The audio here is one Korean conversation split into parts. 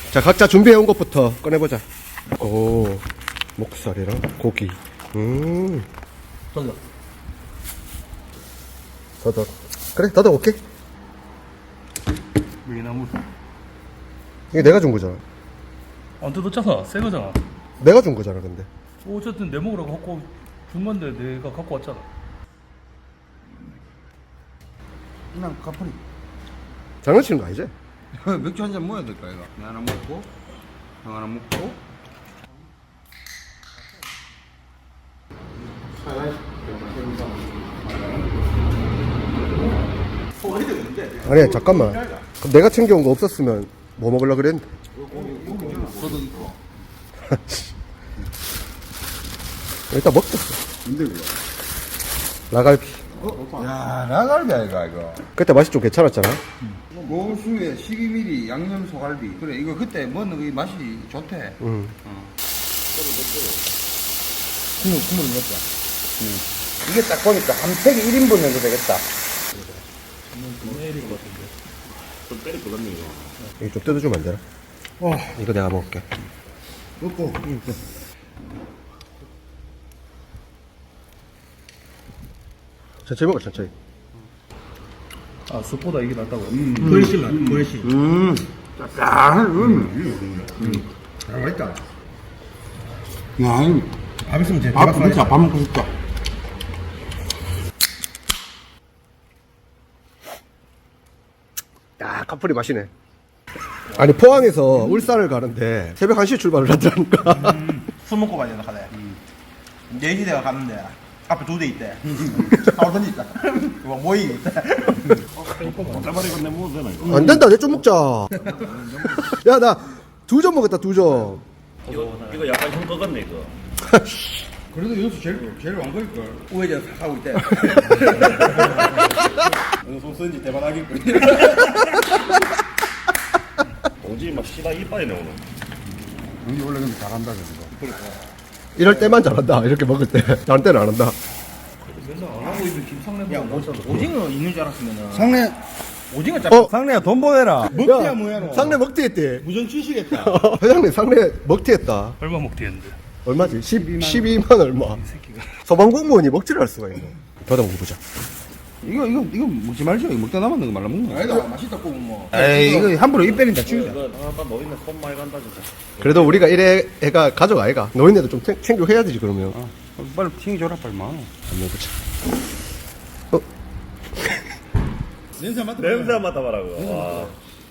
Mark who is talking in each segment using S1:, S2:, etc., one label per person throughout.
S1: 자, 각자 준비해온 것부터 꺼내보자. 오, 목살이랑 고기.
S2: 더덕.
S1: 더덕. 그래, 더덕 오케이.
S2: 미나물.
S1: 이게 내가 준 거잖아.
S2: 안 뜯었잖아. 새 거잖아.
S1: 내가 준 거잖아, 근데.
S2: 어쨌든 내 먹으라고 갖고 준 건데 내가 갖고 왔잖아.
S3: 그냥 가프리.
S1: 장난치는 거 아니지?
S3: 맥주 한 잔 먹어야 될까 이거? 나 하나 먹고 형 하나 먹고.
S1: 아니, 잠깐만. 그럼 내가 챙겨온 거 없었으면 뭐 먹으려고 그랬는데.
S3: 저도 있고.
S1: 일단 먹자.
S3: 근데 그거.
S1: 라갈비.
S3: 야 라갈비 아이가 이거.
S1: 그때 맛이 좀 괜찮았잖아.
S3: 고수에 12mm 양념 소갈비. 그래 이거 그때 먹는 이 맛이 좋대.
S1: 응.
S3: 국물을 넣자. 이게 딱 보니까 한 팩에 1인분 정도 되겠다.
S1: 이거 좀 뜯어주면 안 되나? 이거 내가 먹을게.
S3: 먹고.
S1: 천천히 먹어, 천천히.
S2: 아, 숯보다 이게 낫다고.
S3: 훨씬 나. 훨씬. 야, 맛있다. 야,
S2: 밥 있으면 제
S3: 밥 진짜 밥 먹고 싶다.
S1: 야, 카프리 맛이네. 아니, 포항에서 울산을 가는데 새벽 1시에 출발을 하더라니까.
S4: 술 먹고 가야 된다 카대 4시 내가 갔는데 앞에 2대 있대 사오던지 있다 모이 있대
S1: 안 된다, 내 좀 먹자. 야, 나 2점 먹었다, 2점.
S5: 이거 약간 형 거같네 이거.
S3: 그래도 여기서 제일 왕거일걸.
S4: 우회전 하고 있대 손 쓰는지 대박하겠군
S5: 오지 막 시다 이빨이 나오는.
S3: 여기 원래 근데 잘한다, 그거.
S1: 이럴 때만 잘한다, 이렇게 먹을 때. 다른 때는 안 한다.
S2: 맨날 안 하고 있는 김상래
S4: 야 오징어 있는 줄 알았으면은
S3: 상래,
S4: 오징어 잡
S3: 상래야 돈 보내라. 먹기야 뭐야, 너.
S1: 상래 먹튀 했대.
S3: 무전 취시겠다.
S1: 회장님, 상래 먹튀 했다.
S2: 얼마 먹대 했는데.
S1: 얼마지? 12만 얼마. 소방공무원이 먹튀를 할 수가 있네. 더더 먹어보자.
S3: 이거 먹지 말죠. 이거 먹다 남았는 거 말라 먹는 거.
S4: 아니다 맛있다 꼬면 뭐
S3: 에이, 이거 함부로 입 빼린다, 죽이자.
S5: 이거 아빠 노인네 손 많이 간다 진짜.
S1: 그래도 우리가 이래 애가 가족 아이가. 노인네도 좀 챙겨 해야 되지, 그러면.
S3: 빨리 튕겨줘라, 빨리 마.
S1: 한번 먹어보자.
S3: 냄새 맡아.
S5: 냄새 안 맡아봐라고. 와.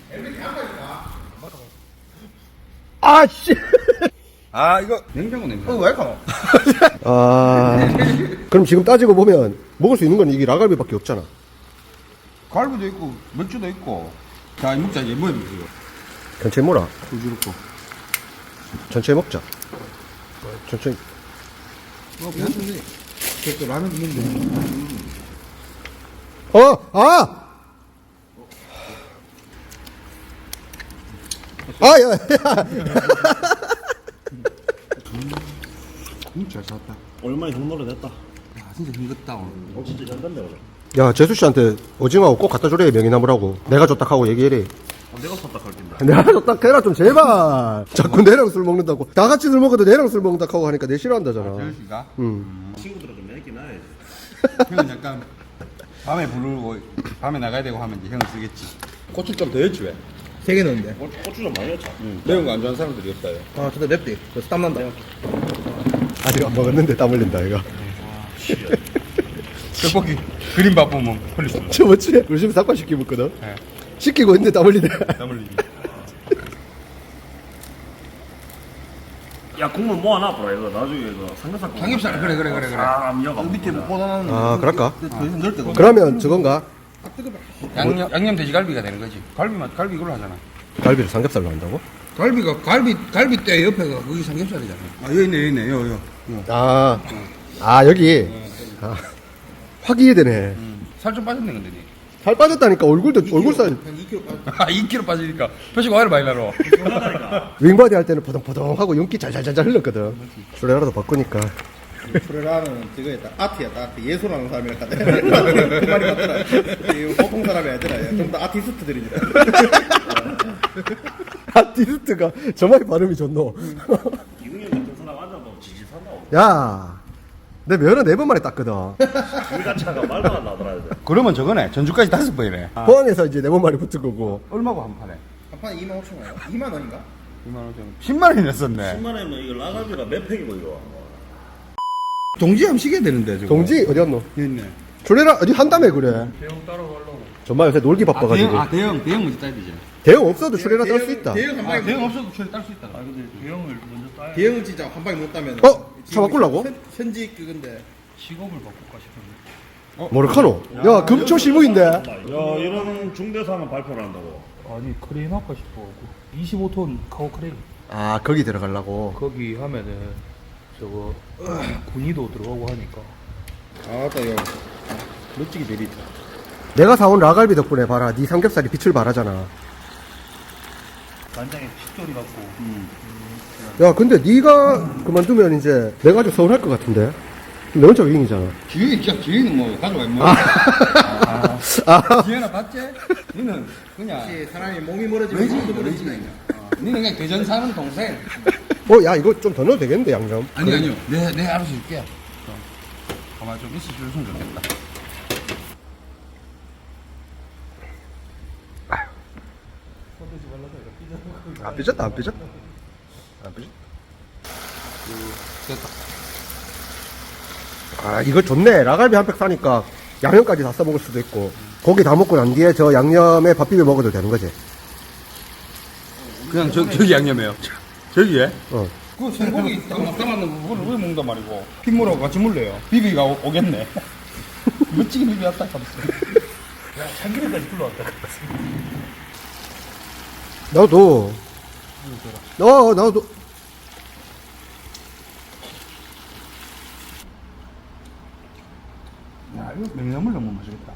S1: 아, 씨!
S3: 아, 이거 냉장고 냄새.
S4: 왜 이렇게
S1: 아, 그럼 지금 따지고 보면 먹을 수 있는 건 이게 라갈비밖에 없잖아.
S3: 갈비도 있고, 맥주도 있고. 자, 이 먹자, 이제 뭐야, 이거.
S1: 천천히 먹어라.
S3: 부지럽고.
S1: 천천히 먹자. 천천히.
S3: 괜찮네. 저또 라면 있는데.
S1: 아! 야, 야.
S3: 잘 샀다.
S5: 얼마나 형 노래 됐다.
S3: 야, 진짜 힘들다, 오늘.
S5: 진짜 잘 됐네 오늘.
S1: 야, 재수 씨한테 오징어하고 꼭 갖다 주래, 명이나무라고. 내가 줬다 하고 얘기해래.
S5: 내가 샀다 갈 텐데.
S1: 내가 줬다 해라, 좀 제발. 자꾸 내랑 술 먹는다고. 다 같이 술 먹어도 내랑 술 먹는다 하고 하니까 내 싫어한다잖아.
S3: 재현씨가?
S5: 친구들은 좀 내기 나야지.
S3: 형은 약간 밤에 부르고 밤에 나가야 되고 하면 이제 형은 쓰겠지. 고추 좀 더 넣었지 왜?
S4: 3개 넣는데
S5: 고추 좀 많이 넣자.
S3: 매운 거 안 좋아하는 사람들이 없다.
S4: 아 근데 맵대 그래서 땀난다
S1: 아직 안 먹었는데 땀 흘린다, 이거.
S3: 떡볶이 그림밥 보면 흘릴 수 있어.
S1: 저번주에 우리 집에 닭발 시키고 먹거든.
S3: 네.
S1: 시키고 있는데 땀 흘리네.
S3: 땀 흘리기.
S5: 야 국물 모아놔 보라 이거 나중에 이거 삼겹살.
S3: 삼겹살 그래.
S5: 아 미역아.
S4: 밑에 뭐 꽂아놨는데
S1: 아, 그럴까?
S4: 더 이상 넣을 데가 없네
S1: 그러면 저건가?
S3: 양념 돼지갈비가 되는 거지. 갈비 이걸로 하잖아.
S1: 갈비를 삼겹살로 한다고?
S3: 갈비 때 옆에가 거기 삼겹살이잖아. 아 여기 있네 요.
S1: 여기. 아, 확 이해되네.
S3: 살 좀 빠졌네 근데 니.
S1: 살 빠졌다니까, 얼굴 살.
S3: 2kg 빠지니까 표식 와이를 많이 나러.
S1: 윙바디 할 때는 포동포동하고 윤기 잘잘잘 흘렀거든. 술에라도 바꾸니까
S4: 프레라는 저거였다. 아트였다. 아트. 예술하는 사람이라 하대. 그 말이 맞더라. 이 보통 사람이 아니더라. 좀 더 아티스트들이더라.
S1: 아티스트가 정말 발음이 좋노.
S5: 이승현 같은 사람 앉아도 지지 산다고.
S1: 야, 내 면허 4번 만에 땄거든.
S5: 불가차가 말도 안 나더라. 이제.
S3: 그러면 저거네. 전주까지 5번이네.
S1: 포항에서 이제 4번 만에 붙은 거고.
S3: 얼마고 한 판에?
S4: 한 판에 25,000원이야. 2만 원인가?
S3: 2만 원 정도. 10만 원이 냈었네.
S5: 10만 원이면 이거 라가비가 몇 팩이고 이거.
S3: 동지 한번 시켜야 되는데 저거.
S1: 동지 어디였노?
S3: 여기 있네.
S1: 졸래라 어디 한다며 그래.
S2: 대형 따라가려고.
S1: 정말 요새 놀기 바빠가지고.
S3: 대형 먼저 따야 되지.
S1: 대형 없어도 출레라 딸 수 있다.
S4: 대형 한 방에
S3: 대형 없어도 처리 딸 수 있다.
S2: 아 근데 대형을 먼저 따야
S4: 대형은 진짜 한 방에 못 따면.
S1: 차 바꾸려고?
S4: 현지 그건데.
S2: 직업을 바꿀까 싶은데.
S1: 모르카노. 야 금초 실무인데.
S5: 야 이런 중대사는 발표를 한다고.
S2: 아니 크레인 할까 싶어. 25톤 카고 크레인.
S1: 아 거기 들어가려고.
S2: 거기 하면은 저거 군의도 들어가고 하니까.
S4: 아따 형. 멋지게 내리다.
S1: 내가 사온 라갈비 덕분에 봐라. 네 삼겹살이 빛을 발하잖아.
S2: 만장에 핏돌이 갖고.
S1: 야 근데 네가 그만두면 이제 내가 좀 서운할 것 같은데. 너 혼자 위인이잖아.
S3: 지휘는 뭐 가져와 뭐. 지휘나 봤지? 니는 그냥
S4: 사람이 몸이 멀어지면
S3: 외지
S4: 마음도
S3: 외지
S4: 멀어지네.
S3: 니는 그냥 대전 사는 동생.
S1: 야 이거 좀 더 넣어도 되겠는데 양념.
S3: 아니요. 내 알아서 줄게. 가만 좀 있어줬으면 좋겠다.
S1: 안 삐졌다 안 삐졌다. 안 삐졌다.
S3: 됐다.
S1: 아 이거 좋네. 라갈비 한 팩 사니까 양념까지 다 써먹을 수도 있고. 고기 다 먹고 난 뒤에 저 양념에 밥 비벼 먹어도 되는 거지.
S3: 그냥 저기 양념해요. 저기에?
S1: 어.
S3: 그 생고기 막 담았는 그걸 왜 먹는단 말이고. 핏물하고 같이 물려요. 비비가 오겠네. 멋지게 비비왔다 하면서.
S2: 야 참기름까지 불러왔다.
S1: 나도. 나도.
S3: 야, 이거 냉장물 너무 맛있겠다.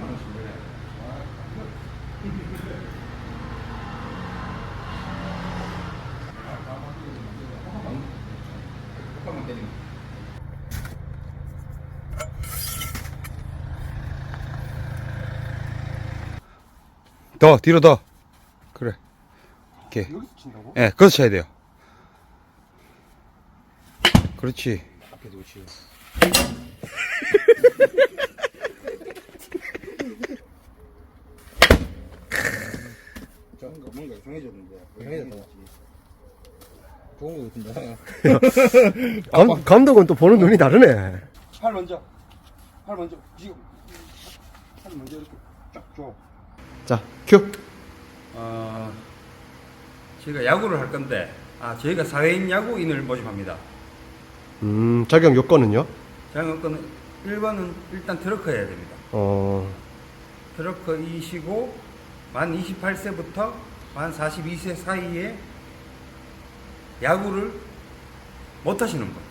S3: 더 뒤로 더. 그래. 이렇게.
S1: 여기서 친다고?
S3: 예, 거기서 쳐야 돼요. 그렇지.
S1: 앞에 두고 치워.
S4: 뭔가 이상해졌는데. 이상해졌다. 좋은 거 같은데.
S1: 감독은 또 보는 눈이 다르네.
S3: 팔 먼저. 팔 먼저. 지금. 팔 먼저 이렇게 쫙 줘.
S1: 자, 큐.
S3: 저희가 야구를 할 건데, 저희가 사회인 야구인을 모집합니다.
S1: 자격 요건은요?
S3: 자격은 1번은 일단 트럭커여야 됩니다. 트럭커이시고, 만 28세부터 만 42세 사이에 야구를 못 하시는 분.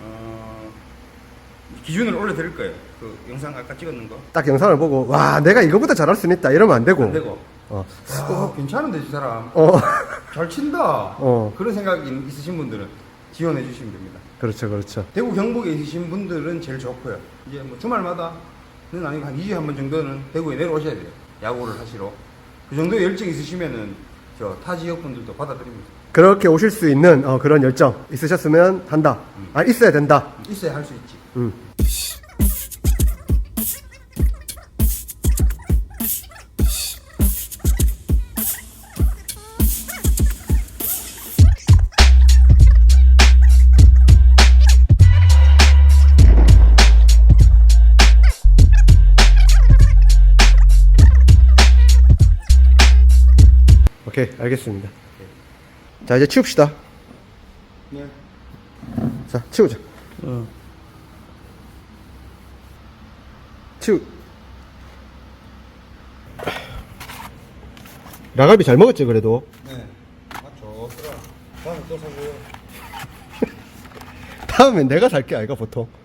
S3: 기준을 올려드릴 거예요. 그 영상 아까 찍었는 거.
S1: 딱 영상을 보고 와 내가 이거보다 잘할 수 있다 이러면 안 되고.
S3: 안 되고. 괜찮은데, 이 사람.
S1: 어.
S3: 잘 친다.
S1: 어.
S3: 그런 생각이 있으신 분들은 지원해 주시면 됩니다.
S1: 그렇죠.
S3: 대구 경북에 있으신 분들은 제일 좋고요. 이제 뭐 주말마다는 아니고 한 2주에 한 번 정도는 대구에 내려오셔야 돼요. 야구를 하시러. 그 정도의 열정 있으시면은 타 지역 분들도 받아들입니다.
S1: 그렇게 오실 수 있는 그런 열정 있으셨으면 한다. 있어야 된다.
S3: 있어야 할 수 있지.
S1: 오케이 알겠습니다. 자 이제 치웁시다.
S3: 네.
S1: 자 치우자. 라갈비 잘 먹었지 그래도.
S3: 네. 맞죠. 그럼 다음에 또 사고요.
S1: 다음엔 내가 살게 아이가 보통.